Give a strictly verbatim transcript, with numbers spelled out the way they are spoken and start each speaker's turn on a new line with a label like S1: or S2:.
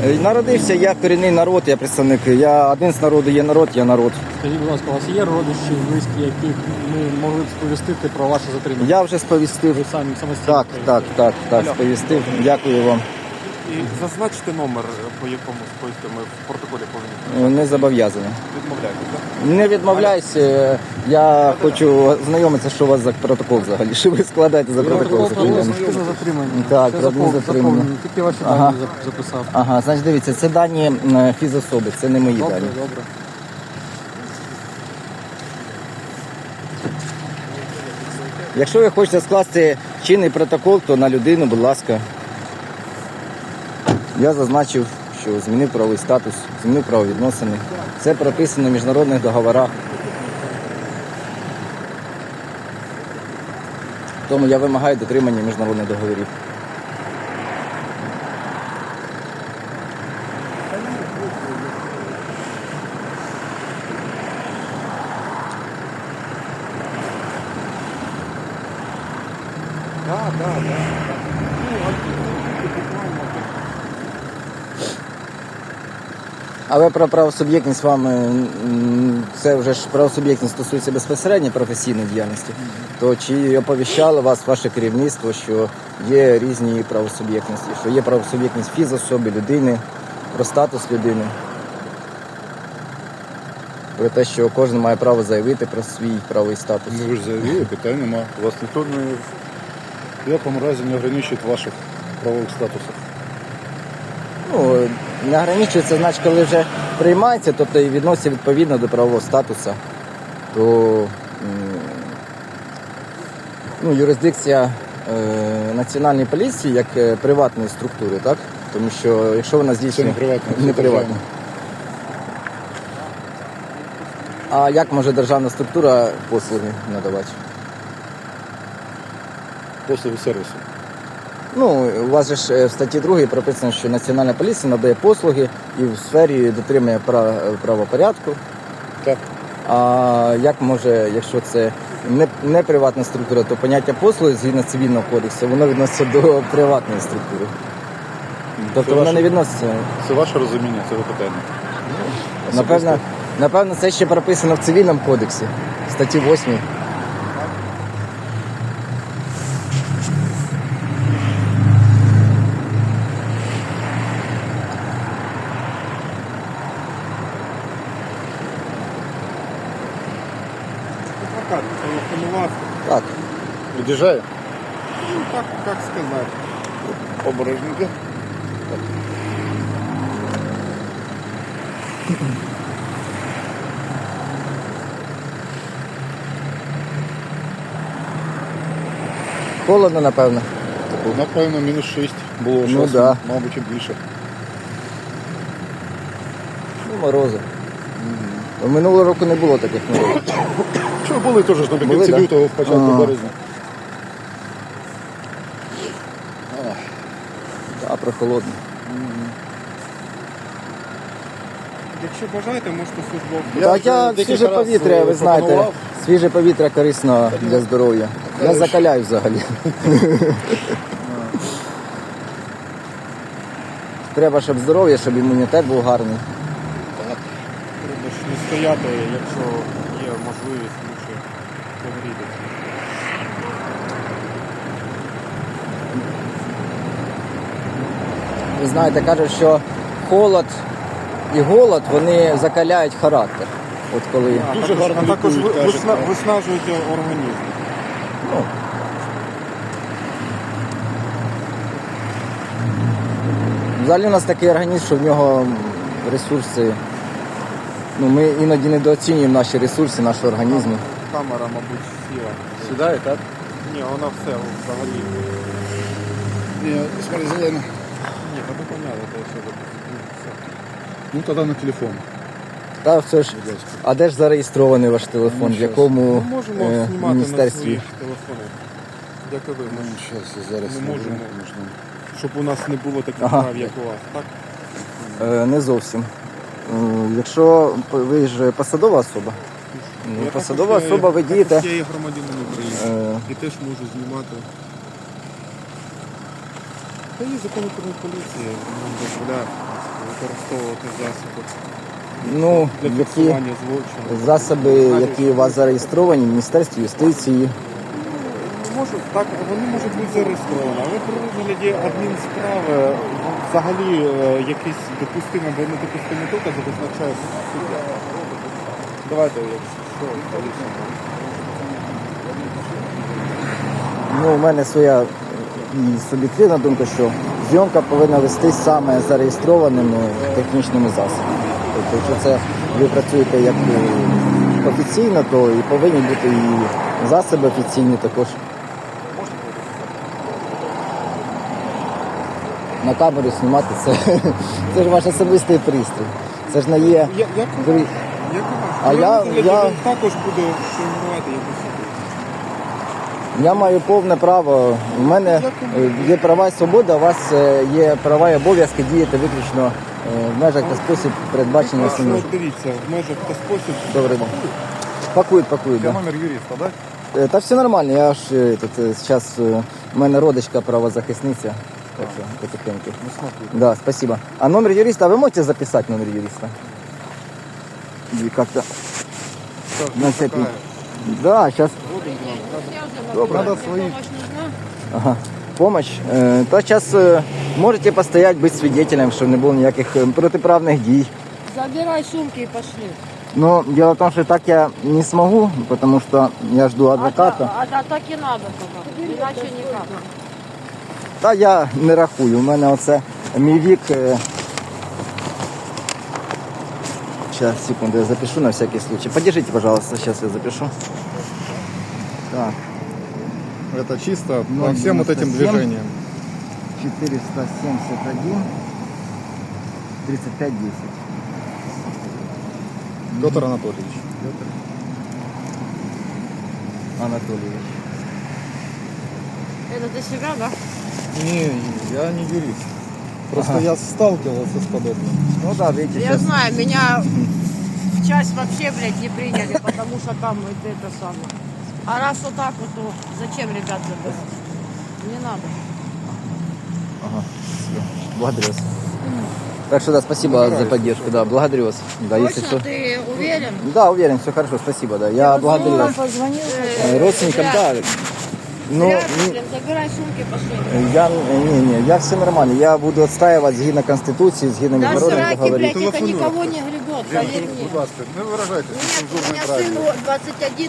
S1: Народився я корінний народ, я представник. Я один з народу, є народ, я народ.
S2: Скажіть, будь ласка, у вас є родичі, близькі, яких ми могли б сповістити про ваше затримання?
S1: Я вже сповістив.
S2: Ви самі самостійно?
S1: Так, так, так, так, сповістив. Дякую вам.
S3: І зазначте номер, по якому сповістити ми в протоколі повинні.
S1: Не зобов'язаний.
S3: Відмовляєтесь, так?
S1: Не відмовляйся. Я хочу знайомитися, що у вас за протокол взагалі. Що ви складаєте за протокол?
S2: Протокол про
S1: закладений?
S2: адміністративне затримання.
S1: Так,
S2: Це
S1: про
S2: запов-
S1: адміністративне.
S2: заповнено. Тільки ваші
S1: Ага.
S2: дані зап- записав.
S1: Ага, значить дивіться, це дані м, фізособи, це не мої
S2: Добре,
S1: дані.
S2: добре.
S1: Якщо ви хочете скласти чинний протокол, то на людину, будь ласка. Я зазначив, що змінив правовий статус, змінив правовідносини. Це прописано в міжнародних договорах. Тому я вимагаю дотримання міжнародних договорів.
S3: Так, так, так.
S1: Але про правосуб'єктність вам, е, м, це вже ж правосуб'єктність стосується безпосередньо професійної діяльності, то чи оповіщало вас ваше керівництво, що є різні правосуб'єктності, що є правосуб'єктність фізособи, людини, про статус людини, про те, що кожен має право заявити про свій правовий статус.
S4: Ну ви ж заявили, питань нема. Вас ніхто не в якому разі не ограничує в ваших правових статусах.
S1: Ну, не ограничується, значить, коли вже приймається, тобто і відноситься відповідно до правового статусу, то м, ну, юрисдикція е, Національної поліції як е, приватної структури, так? Тому що якщо вона здійснює...
S4: Це не приватна, це
S1: Не приватна. А як може державна структура послуги надавати?
S4: Послуги сервісу.
S1: Ну, у вас же ж е, в статті другій прописано, що Національна поліція надає послуги і в сфері дотримання прав- правопорядку.
S4: Так.
S1: А як може, якщо це не, не приватна структура, то поняття послуги згідно цивільного кодексу, воно відноситься до приватної структури. Тобто
S4: Це
S1: воно
S4: ваше-
S1: не відноситься.
S4: Це ваше розуміння цього питання.
S1: Напевно, напевно, це ще прописано в цивільному кодексі, статті восьмій.
S3: Адвокат телефонував.
S1: Так.
S4: Від'їжджає?
S3: Ну, так, як сказати.
S4: Обережненько.
S1: Холодно, напевно.
S4: Напевно, мінус шість було
S1: Ну,
S4: часу,
S1: да.
S4: мабуть, і більше.
S1: Ну, морози. Минулого року не було таких морозів.
S4: Чого були теж
S1: Були,
S4: наприкінці
S1: да?
S4: лютого, в початку
S1: Ага.
S4: березня.
S1: Так, прохолодно.
S3: Якщо бажаєте, можете службовку.
S4: Я
S1: Так, я
S4: вже декілька
S1: свіже
S4: раз,
S1: повітря,
S4: е,
S1: ви знаєте,
S4: пропонував.
S1: свіже повітря корисно для здоров'я. Я закаляю взагалі. Треба, щоб здоров'я, щоб імунітет був гарний.
S3: Треба ж не стояти, якщо є можливість, лучше погрітися.
S1: Ви знаєте, кажуть, що холод і голод, вони закаляють характер. От коли...
S3: А
S4: Дуже
S3: також,
S4: гарно
S3: а також
S4: лікують,
S3: ви-
S4: кажуть,
S3: висна-
S4: так.
S3: виснажують організм.
S1: Ну, взагалі у нас такий організм, що в нього ресурси. Ну, ми іноді недооцінюємо наші ресурси, нашого організму.
S3: Камера, мабуть, сіла.
S4: Сідає, так?
S3: Ні, вона все взагалі.
S4: Ні, смотри, зелено.
S3: Ні, та ви поняли, те, що ви- ну, все.
S4: Ну, тоді на телефон.
S1: Та все ж,
S4: Будь ласка.
S1: а де ж зареєстрований ваш телефон?
S4: Ну,
S1: В
S4: щас.
S1: якому
S3: Ми можемо
S1: е,
S3: знімати на
S1: міністерстві?
S3: своїх телефонах. Як і ви,
S4: Ну,
S3: може,
S4: зараз я зараз
S3: Не
S4: наберу,
S3: можемо.
S4: звісно.
S3: щоб у нас не було таких
S1: Ага.
S3: прав, як у вас, так?
S1: Е, Не зовсім. Е, Якщо ви ж посадова особа, ну,
S3: Я
S1: посадова
S3: також є-
S1: особа, ви дієте.
S3: також Я є громадянин України.
S1: е,
S3: І теж можу знімати. Та є закон України поліції, нам дозволяє. використовувати засоби
S1: Ну,
S3: для
S1: які
S3: фіксування злочину.
S1: засоби, які у вас зареєстровані в Міністерстві юстиції.
S3: Можуть, так, вони можуть бути зареєстровані, але при розгляді адмінсправи взагалі е, якісь допустимі або недопустимі докази визначає суддя. Давайте, якщо пояснимо.
S1: Ну, у мене своя і суб'єктивна думка, що зйомка повинна вестись саме зареєстрованими технічними засобами. Тобто, якщо це ви працюєте як е, офіційно, то і повинні бути і засоби офіційні також. На камеру знімати це, це ж ваш особистий пристрій. Це ж не є.
S3: Я, як у
S1: При-
S3: вас? Як у вас?
S1: А
S3: При
S1: я-
S3: розгляді
S1: я-
S3: він також буде фільмувати якусь.
S1: Я маю повне право. У мене е, є права і свобода, у вас е, є права і обов'язки діяти виключно е, в межах та спосіб передбачення
S3: Якщо,
S1: самим.
S3: дивіться, в межах та спосіб.
S1: Добрий день. Пакують, пакують.
S4: Я
S1: Да.
S4: номер юриста, да?
S1: Е, Та все нормально, я ж е, тут е, зараз е, у мене родичка правозахисниця. Так що потихеньку.
S4: Ну, смотри.
S1: Да, спасибо. А номер юриста, вы можете записать номер юриста? И как-то на всякий. Да, сейчас.
S4: Надо свои.
S1: Ага. Помощь. Е, Та зараз можете постоять, бути свидетелем, що не було ніяких е, протиправних дій.
S5: Забирай сумки и пошли.
S1: Но дело в том, что так я не смогу, потому что я жду
S5: А,
S1: адвоката.
S5: та- а, а так и надо пока. Иначе никак.
S1: Та я не рахую. У мене оце мій вік. Сейчас, секунду, я запишу на всякий случай. Подержите, пожалуйста, сейчас я запишу. Так,
S4: Это чисто
S1: Ну,
S4: по всем вот этим
S1: девяносто семь.
S4: движениям.
S1: четыреста семьдесят один тридцать пять десять.
S4: Петр Анатольевич.
S1: Анатольевич.
S5: Это для себя, да?
S4: Не, я не юрист. Просто я сталкивался с подобным.
S1: Ну да, видите,
S5: Я
S1: сейчас.
S5: знаю, меня в часть вообще, блядь, не приняли, потому что там это, это самое. А раз вот так вот, то зачем ребят забирать? Не надо.
S1: Ага, всё. Благодарю вас. Так что да, спасибо за поддержку, да, благодарю вас. Да, если
S5: Точно,
S1: что.
S5: ты уверен?
S1: Да, уверен, все хорошо, спасибо, да. Я благодарю вас.
S5: позвонил.
S1: Э, Родственникам, да. Ну,
S5: Зря,
S1: не-
S5: блин, забирай сумки, пошли.
S1: я, не, не, я все нормально. Я буду отстаивать згідно Конституции, згідно
S5: Да
S1: міжнародних
S5: сраки,
S1: договорів.
S5: блядь, это никого не гребет, поверь мне.
S4: Будь ласка, не выражайтесь
S5: Нет, у
S4: нецензурной
S5: меня
S4: фразой.
S5: сыну двадцать один